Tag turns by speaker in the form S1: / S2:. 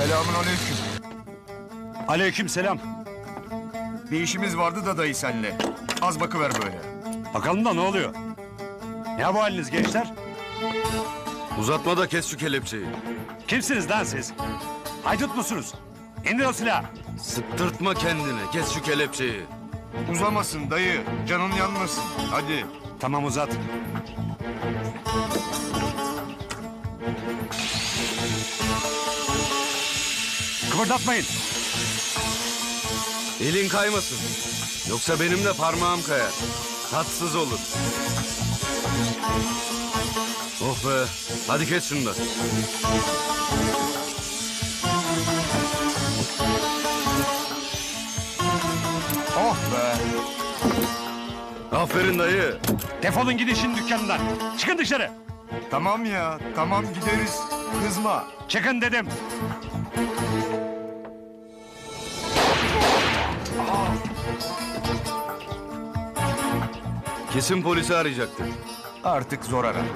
S1: Selamünaleyküm.
S2: Aleykümselam.
S1: Bir işimiz vardı da dayı senle. Az bakıver böyle.
S2: Bakalım da ne oluyor? Ne bu haliniz gençler?
S3: Uzatma da kes şu kelepçeyi.
S2: Kimsiniz lan siz? Haydut musunuz? İndir o silahı.
S3: Sıktırtma kendini. Kes şu kelepçeyi.
S1: Uzamasın dayı. Canın yanmasın. Hadi.
S2: Tamam uzat. Kıpırdatmayın.
S3: Elin kaymasın. Yoksa benim de parmağım kayar. Tatsız olur. Oh be. Hadi kes şunu da.
S1: Oh be.
S3: Aferin dayı.
S2: Defolun gidin şimdi dükkanından. Çıkın dışarı.
S1: Tamam ya. Tamam gideriz. Kızma.
S2: Çıkın dedim.
S3: Kesin polisi arayacaktır.
S1: Artık zor ara.